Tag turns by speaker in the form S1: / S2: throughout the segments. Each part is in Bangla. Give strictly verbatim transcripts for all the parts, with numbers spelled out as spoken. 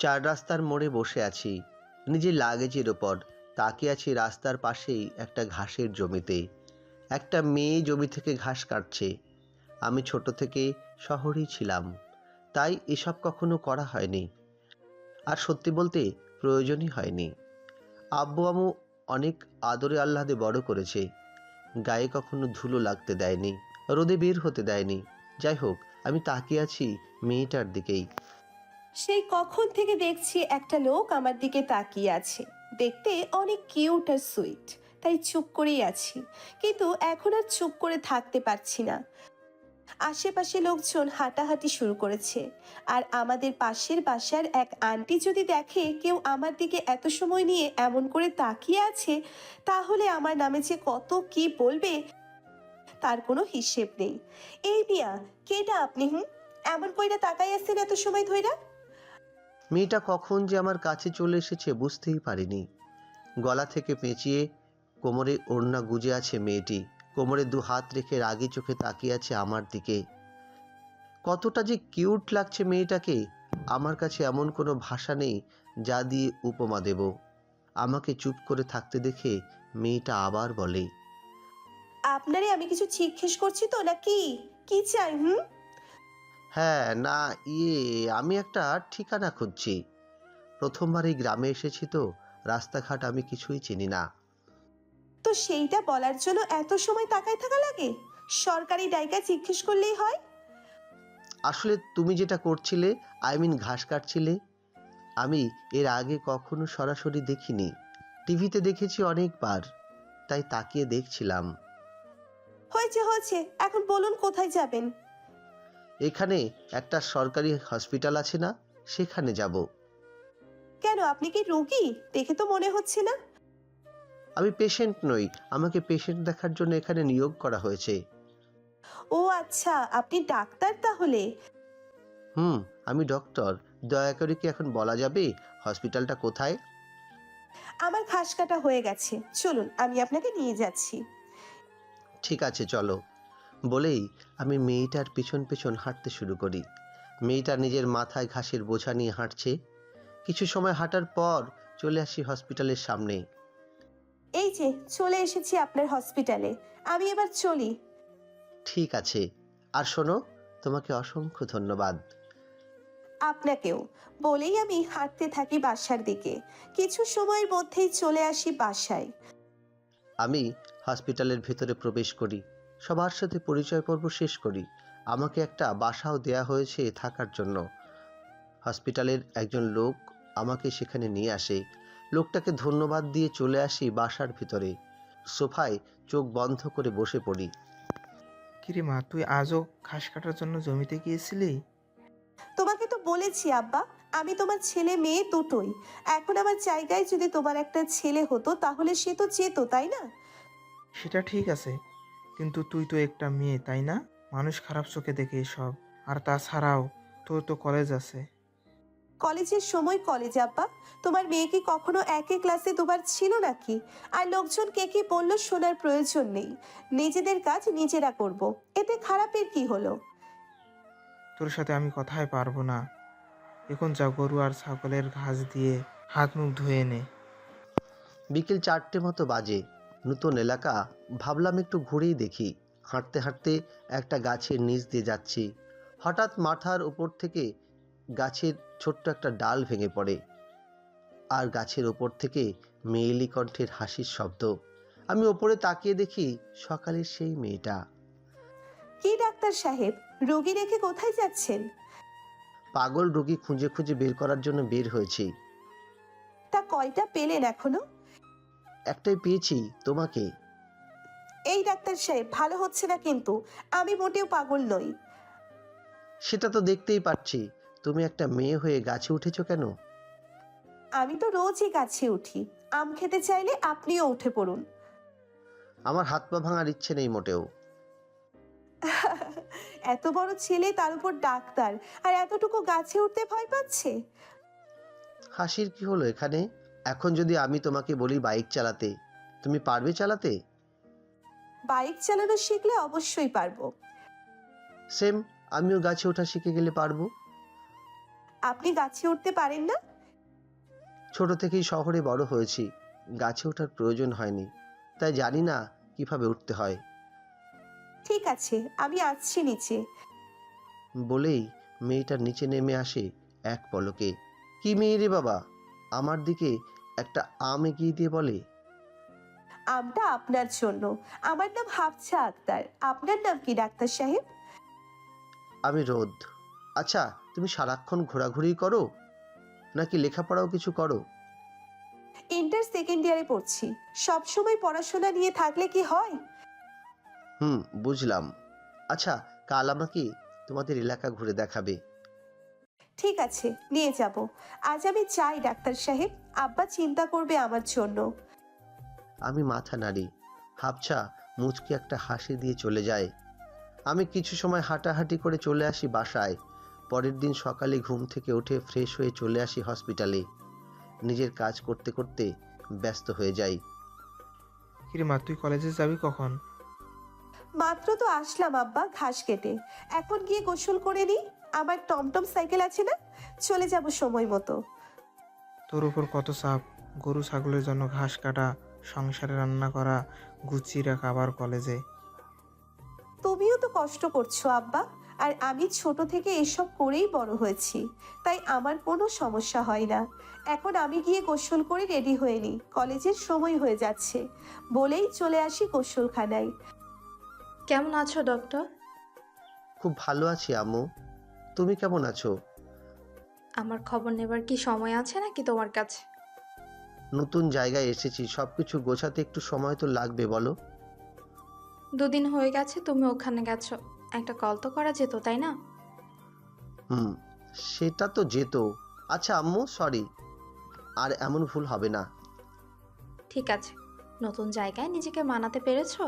S1: চার রাস্তার মোড়ে বসে আছি, নিজের লাগেজের ওপর তাকিয়ে আছি রাস্তার পাশেই একটা ঘাসের জমিতে। একটা মেয়ে জমি থেকে ঘাস কাটছে। আমি ছোট থেকে শহরেই ছিলাম, তাই এসব কখনো করা হয়নি, আর সত্যি বলতে প্রয়োজনই হয়নি। আব্বু আম্মু অনেক আদরে আহ্লাদে বড় করেছে, গায়ে কখনো ধুলো লাগতে দেয়নি, রোদে বের হতে দেয়নি। যাই হোক, আমি তাকিয়ে আছি মেয়েটার দিকেই।
S2: সেই কখন থেকে দেখছি একটা লোক আমার দিকে তাকিয়ে আছে। দেখতে অনেক কিউট আর সুইট, তাই চুপ করেই আছি। কিন্তু এখন আর চুপ করে থাকতে পারছি না। আশেপাশে লোকজন হাঁটাহাঁটি শুরু করেছে, আর আমাদের পাশের বাসার এক আন্টি যদি দেখে কেউ আমার দিকে এত সময় নিয়ে এমন করে তাকিয়ে আছে, তাহলে আমার নামে যে কত কি বলবে তার কোনো হিসেব নেই। এই মিয়া, কেটা আপনি? হুম, এমন কইরা তাকাই আছেন এত সময় ধইরা?
S1: মেয়েটা কখন যে আমার কাছে চলে এসেছে বুঝতেই পারিনি। গলা থেকে পেঁচিয়ে কোমরে ওড়না গুজে আছে মেয়েটি, কোমরে দু হাত রেখে রাগী চোখে তাকিয়ে আছে আমার দিকে। কতটা যে কিউট লাগছে মেয়েটাকে, আমার কাছে এমন কোনো ভাষা নেই যা দিয়ে উপমা দেব। আমাকে চুপ করে থাকতে দেখে মেয়েটা আবার বলে,
S2: আপনারে আমি কিছু জিজ্ঞেস করছি তো, নাকি কি চাই? হুম,
S1: হ্যাঁ না, ইয়ে আমি একটা ঠিকানা খুঁজছি। প্রথমবার এই গ্রামে এসেছি তো, রাস্তাঘাট আমি কিছুই চিনি না।
S2: তো সেইটা বলার জন্য এত সময় তাকায় থাকা লাগে? সরকারি ডাইকা জিজ্ঞেস করলেই হয়।
S1: আসলে তুমি যেটা করছিলে, আই মিন ঘাস কাটছিলে, আমি এর আগে কখনো সরাসরি দেখিনি। টিভিতে দেখেছি অনেকবার, তাই তাকিয়ে দেখছিলাম।
S2: হয়েছে হয়েছে, এখন বলুন কোথায় যাবেন?
S1: এখানে একটা সরকারি হসপিটাল আছে না, সেখানে যাব।
S2: কেন, আপনি কি রোগী? দেখে তো মনে হচ্ছে না।
S1: আমি পেশেন্ট নই, আমাকে পেশেন্ট দেখার জন্য এখানে নিয়োগ করা হয়েছে।
S2: ও আচ্ছা, আপনি ডাক্তার তাহলে।
S1: হুম, আমি ডক্টর। দয়া করে কি এখন বলা যাবে হসপিটালটা কোথায়?
S2: আমার ঘাস কাটা হয়ে গেছে, চলুন আমি আপনাকে নিয়ে যাচ্ছি।
S1: ঠিক আছে চলো, বলেই আমি মেয়েটার পিছন পিছন হাঁটতে শুরু করি। মেয়েটা নিজের মাথায় ঘাসের বোঝা নিয়ে হাঁটছে। কিছু সময় হাঁটার পর চলে আসি হসপিটালের সামনে।
S2: এই যে চলে এসেছি আপনার হসপিটালে, আমি এবার চলি।
S1: ঠিক আছে, আর শোনো, তোমাকে অসংখ্য ধন্যবাদ।
S2: আপনাকেও। বলেই আমি হাঁটতে থাকি বাসার দিকে। কিছু সময়ের মধ্যেই চলে আসি বাসায়।
S1: আমি হসপিটালের ভেতরে প্রবেশ করি, সবার সাথে পরিচয় পর্ব শেষ করি। আমাকে একটা বাসাও দেয়া হয়েছে থাকার জন্য। হসপিটালের একজন লোক আমাকে সেখানে নিয়ে আসে। লোকটাকে ধন্যবাদ দিয়ে চলে আসি বাসার ভিতরে। সোফায় চোখ বন্ধ করে বসে পড়ি।
S3: কিরে মা, তুই আজও ঘাস কাটার জন্য জমিতে গিয়েছিলি?
S2: তোমাকে তো বলেছি আব্বা, আমি তোমার ছেলে মেয়ে দুটোই। এখন আমার জায়গায় যদি তোমার একটা ছেলে হতো তাহলে সে তো যেত, তাই না?
S3: সেটা ঠিক আছে, কিন্তু তুই তো একটা মেয়ে, তাই না? মানুষ খারাপ চোখে দেখে এসব। আর তাছাড়াও তোর তো কলেজ আছে।
S2: কলেজের সময় কলেজ আব্বা। তোমার মেয়ে কি কখনো একই ক্লাসে দুবার ছিল নাকি? আর লোকজন কে কি বললো শোনার প্রয়োজন নেই। নিজেদের কাজ নিজেরা করব, এতে খারাপের কি হলো?
S3: তোর সাথে আমি কথাই পারবো না। এখন যা, গরু আর ছাগলের ঘাস দিয়ে হাত মুখ ধুয়ে নে।
S1: বিকেল চারটে মতো বাজে। নতুন এলাকা, ভাবলাম একটু ঘুরেই দেখি। হাঁটতে হাঁটতে একটা গাছের নিচ দিয়ে যাচ্ছি। হঠাৎ মাথার উপর থেকে গাছের ছোট্ট একটা ডাল ভেঙে পড়ে, আর গাছের ওপর থেকে মেয়েলি কণ্ঠের হাসির শব্দ। আমি ওপরে তাকিয়ে দেখি সকালের সেই মেয়েটা।
S2: কি ডাক্তার সাহেব, রোগী রেখে কোথায় যাচ্ছেন?
S1: পাগল রোগী খুঁজে খুঁজে বের করার জন্য বের হয়েছি।
S2: তা কয়টা পেলেন এখনো?
S1: একটাই পেয়েছি, তোমাকে।
S2: এই ডাক্তার সাহেব, ভালো হচ্ছে না কিন্তু। আমি মোটেও পাগল নই।
S1: সেটা তো দেখতেই পাচ্ছি, তুমি একটা মেয়ে হয়ে গাছে উঠেছো কেন?
S2: আমি তো রোজই গাছে উঠি। আম খেতে চাইলে আপনিও উঠে পড়ুন।
S1: আমার হাত পা ভাঙার ইচ্ছে নেই মোটেও।
S2: এত বড় ছেলে, তার উপর ডাক্তার, আর এতটুকু গাছে উঠতে ভয় পাচ্ছে?
S1: হাসির কি হলো এখানে? এখন যদি আমি তোমাকে বলি বাইক চালাতে, তুমি পারবে চালাতে?
S2: বাইক চালানো শিখলে অবশ্যই পারবো।
S1: সেম, আমিও গাছে ওঠা শিখে গেলে পারবো।
S2: আপনি গাছে উঠতে পারেন না?
S1: ছোট থেকেই শহরে বড় হয়েছি, গাছে ওঠার প্রয়োজন হয়নি, তাই জানি না কিভাবে উঠতে হয়।
S2: ঠিক আছে, আমি আসছি নিচে।
S1: বলেই মেয়েটার নিচে নেমে আসে এক পলকে। কি মেয়ে রে বাবা! আমার দিকে একটা আম এগিয়ে দিয়ে বলে,
S2: আমটা আপনার জন্য। আমার নাম হাফসা আক্তার। আপনার নাম কি ডাক্তার সাহেব?
S1: আমি রোদ। আচ্ছা, তুমি সারাক্ষণ ঘোরাঘুরি করো নাকি লেখাপড়াও কিছু করো?
S2: ইন্টার সেকেন্ড ইয়ারে পড়ছি। সব সময় পড়াশোনা নিয়ে থাকলে কি হয়?
S1: হুম, বুঝলাম। আচ্ছা, কাল আমাকে তোমাদের এলাকা ঘুরে দেখাবে।
S2: ঠিক আছে, নিয়ে যাব। আজ আমি চাই ডাক্তার সাহেব, আব্বা চিন্তা করবে আমার জন্য।
S1: আমি মাথা নাড়ি। হাফছা মুচকি একটা হাসি দিয়ে চলে যায়। আমি কিছু সময় হাঁটাহাঁটি করে চলে আসি বাসায়। পরের দিন সকালে ঘুম থেকে উঠে ফ্রেশ হয়ে চলে আসি হসপিটালে। নিজের কাজ করতে করতে ব্যস্ত হয়ে যাই।
S3: কিরে মা, তুই কলেজে যাবি কখন?
S2: মাত্র তো আসলাম আব্বা ঘাস কেটে। এখন গিয়ে গোসল করে নি। আমার টমটম সাইকেল আছে না, চলে যাব সময় মতো।
S3: তোর উপর কত চাপ! গরু ছাগলের জন্য ঘাস কাটা, সংসারে রান্না করা, গুছিয়ে রাখা, আবার কলেজে।
S2: তুমিও তো কষ্ট করছো আব্বা, আর আমি ছোট থেকে এসব করেই বড় হয়েছি, তাই আমার কোনো সমস্যা হয় না। এখন আমি গিয়ে গোসল করে রেডি হয়ে নিই, কলেজের সময় হয়ে যাচ্ছে। বলেই চলে আসি গোসলখানায়।
S4: কেমন আছো ডক্টর?
S1: খুব ভালো আছি আম্মু। তুমি কেমন আছো?
S4: আমার খবর নেবার কি সময় আছে নাকি তোমার কাছে?
S1: নতুন জায়গায় এসেছি, সবকিছু গোছাতে একটু সময় তো লাগবে বলো।
S4: দুদিন হয়ে গেছে তুমি ওখানে গেছো, একটা কল তো করা যেত তাই না?
S1: হুম, সেটা তো যেত। আচ্ছা আম্মু, সরি, আর এমন ভুল হবে না।
S4: ঠিক আছে। নতুন জায়গায় নিজেকে মানাতে পেরেছো?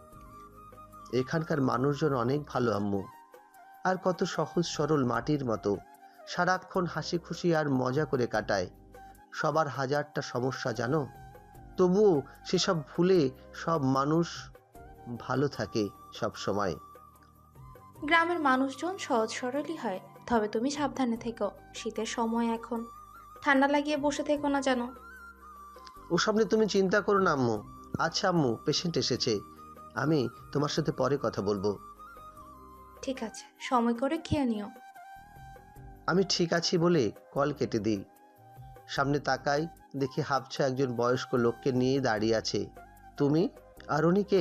S1: এখানকার মানুষজন অনেক ভালো আম্মু, আর কত সহজ সরল মাটির মতো। সারাক্ষণ হাসি খুশি আর মজা করে কাটায়। সবার হাজারটা সমস্যা জানো, তবুও সেসব ভুলে সব মানুষ ভালো থাকে সব সময়।
S4: গ্রামের মানুষজন সহজ সরলই হয়, তবে তুমি সাবধানে থেকো। শীতের সময় এখন, ঠান্ডা লাগিয়ে বসে থেকো না যেন।
S1: ওসব নিয়ে তুমি চিন্তা করো না আম্মু। আচ্ছা আম্মু, পেশেন্ট এসেছে, আমি তোমার সাথে পরে কথা বলবো।
S4: ঠিক আছে, সময় করে খেয়ে নিও।
S1: আমি ঠিক আছি বলে কল কেটে দিই। সামনে তাকাই, দেখি হাফছা একজন বয়স্ক লোককে নিয়ে দাঁড়িয়ে আছে। তুমি আর উনি কে?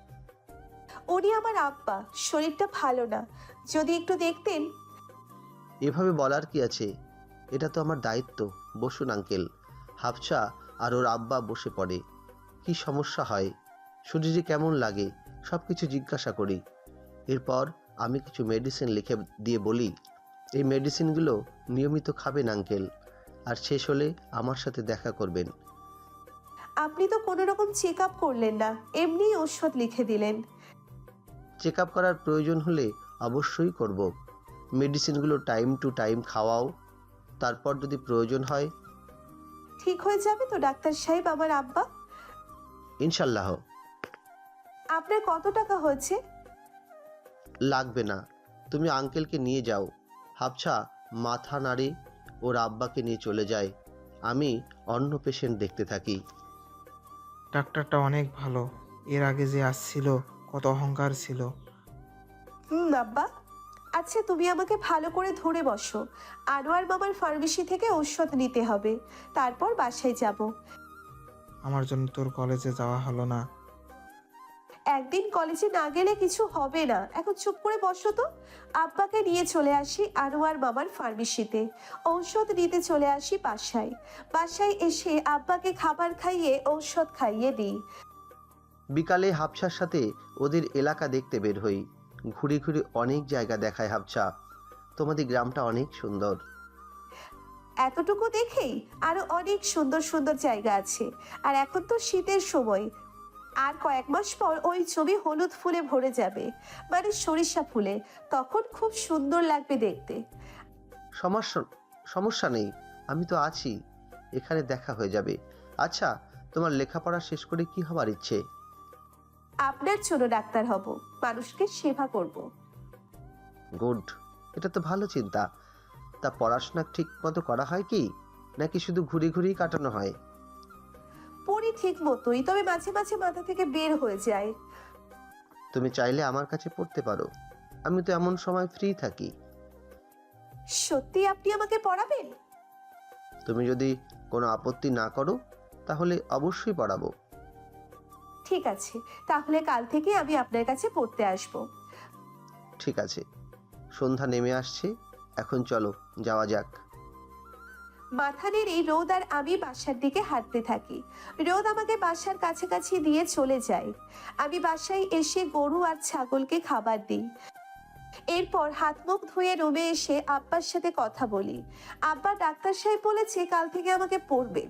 S2: উনি আমার আব্বা, শরীরটা ভালো না, যদি একটু দেখতেন।
S1: এভাবে বলার কি আছে, এটা তো আমার দায়িত্ব। বসুন আঙ্কেল। হাফছা আর ওর আব্বা বসে পড়ে। কি সমস্যা হয়, শরীরে কেমন লাগে, সব কিছু জিজ্ঞাসা করি। এরপর আমি কিছু মেডিসিন লিখে দিয়ে বলি, এই মেডিসিনগুলো নিয়মিত খাবেন আঙ্কেল, আর শেষ হলে আমার সাথে দেখা করবেন।
S2: আপনি তো কোনো রকম চেক আপ করলেন না, এমনি ওষুধ লিখে দিলেন।
S1: চেক আপ করার প্রয়োজন হলে অবশ্যই করব। মেডিসিনগুলো টাইম টু টাইম খাওয়াও, তারপর যদি প্রয়োজন হয়।
S2: ঠিক হয়ে যাবে তো ডাক্তার সাহেব আমার আব্বা?
S1: ইনশাল্লাহ।
S2: আপনার কত টাকা হয়েছে?
S1: লাগবে না, তুমি আঙ্কেলকে নিয়ে যাও। হাফছা মাথা নাড়ে, ওর আব্বাকে নিয়ে চলে যায়। আমি অন্য পেশেন্ট দেখতে থাকি।
S3: ডাক্তারটা অনেক ভালো। এর আগে যে আসছিল কত অহংকার ছিল।
S2: হুম আব্বা। আচ্ছা তুমি আমাকে ভালো করে ধরে বসো। আনোয়ার মামার ফার্মেসি থেকে ঔষধ নিতে হবে, তারপর বাসায় যাব।
S3: আমার জন্য তোর কলেজে যাওয়া হলো না।
S2: একদিন কলেজে না গেলে কিছু হবে না, এখন চুপ করে বসো তো। আব্বাকে নিয়ে চলে আসি আনোয়ার মামার ফার্মেসিতে, ঔষধ নিতে চলে আসি বাসায়। বাসায় এসে আব্বাকে খাবার খাইয়ে ঔষধ খাইয়ে দিই।
S1: বিকালে হাফছার সাথে ওদের এলাকা দেখতে বের হই। ঘুরে ঘুরে অনেক জায়গা দেখায় হাফছা। তোমাদের গ্রামটা অনেক সুন্দর।
S2: এতটুকু দেখেই আরো অনেক সুন্দর সুন্দর জায়গা আছে। আর এখন তো শীতের সময়, আর কয়েক মাস পর ওই ছবি হলুদ ফুলে ভরে যাবে, মানে সরিষা ফুলে। তখন খুব সুন্দর লাগবে দেখতে।
S1: সমস্যা সমস্যা নেই, আমি তো আছি, এখানে দেখা হয়ে যাবে। আচ্ছা, তোমার লেখাপড়া শেষ করে কি হবার ইচ্ছে?
S2: আপনার জন্য ডাক্তার হব, মানুষকে সেবা করব।
S1: গুড, এটা তো ভালো চিন্তা। তা পড়াশোনা ঠিক মতো করা হয় কি? নাকি শুধু ঘুরে ঘুরেই কাটানো হয়?
S2: পড়ি ঠিক মতোই, তবে মাঝে মাঝে মাথা থেকে বের হয়ে যায়।
S1: তুমি চাইলে আমার কাছে পড়তে পারো, আমি তো এমন সময় ফ্রি থাকি।
S2: সত্যি আপনি আমাকে পড়াবেন?
S1: তুমি যদি কোনো আপত্তি না করো তাহলে অবশ্যই পড়াবো।
S2: ঠিক আছে, তাহলে কাল থেকে আমি আপনার কাছে পড়তে আসব।
S1: ঠিক আছে, সন্ধ্যা নেমে আসছে, এখন চলো যাওয়া যাক।
S2: মাথা নেড়ে রোদ আর আমি বাসার দিকে হাঁটতে থাকি। রোদ আমাকে বাসার কাছাকাছি দিয়ে চলে যায়। আমি বাসায় এসে গরু আর ছাগলকে খাবার দিই। এরপর হাত মুখ ধুয়ে রুমে এসে আব্বার সাথে কথা বলি। আব্বা ডাক্তার সাহেব বলেছে কাল থেকে আমাকে পড়বে।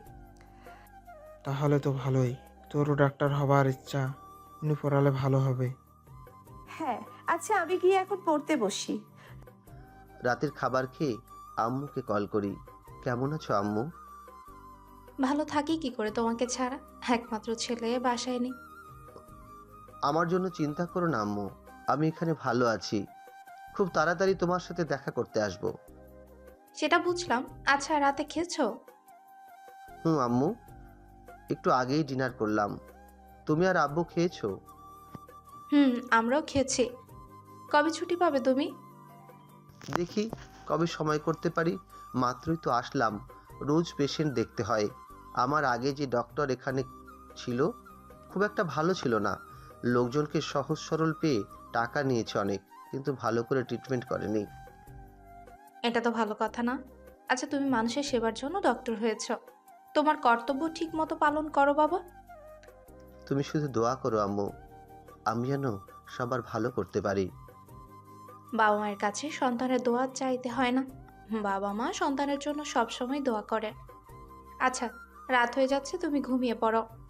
S3: তাহলে তো ভালোই, তোরও ডাক্তার হবার ইচ্ছা, উনি পড়ালে ভালো হবে।
S2: হ্যাঁ, আচ্ছা আমি গিয়ে এখন পড়তে বসি।
S1: রাতের খাবার খেয়ে আম্মুকে কল করি। কেমন আছো আম্মু?
S4: ভালো থাকি কি করে তোমাকে ছাড়া, একমাত্র ছেলে বাসায় নেই।
S1: আমার জন্য চিন্তা করো না আম্মু, আমি এখানে ভালো আছি। খুব তাড়াতাড়ি তোমার সাথে দেখা করতে আসবো।
S4: সেটা বুঝলাম। আচ্ছা, রাতে খেয়েছো?
S1: হুম আম্মু, একটু আগেই ডিনার করলাম। তুমি আর আব্বু খেয়েছো?
S4: হুম, আমরাও খেয়েছি। কবে ছুটি পাবে তুমি?
S1: দেখি কবে সময় করতে পারি। মাত্রই তো আসলাম, রোজ পেশেন্ট দেখতে হয়। আমার আগে যে ডক্টর এখানে ছিল খুব একটা ভালো ছিল না। লোকজনকে সহজ সরল পেয়ে টাকা নিয়েছে অনেক, কিন্তু ভালো করে ট্রিটমেন্ট করেনি।
S4: এটা তো ভালো কথা না। আচ্ছা, তুমি মানুষের সেবার জন্য ডক্টর হয়েছো, তোমার কর্তব্য ঠিক মতো পালন করো বাবা।
S1: তুমি শুধু দোয়া করো আম্মু, আমি যেন সবার ভালো করতে পারি।
S4: বাবা মায়ের কাছে সন্তানের দোয়া চাইতে হয় না, বাবা মা সন্তানের জন্য সবসময় দোয়া করে। আচ্ছা, রাত হয়ে যাচ্ছে, তুমি ঘুমিয়ে পড়ো।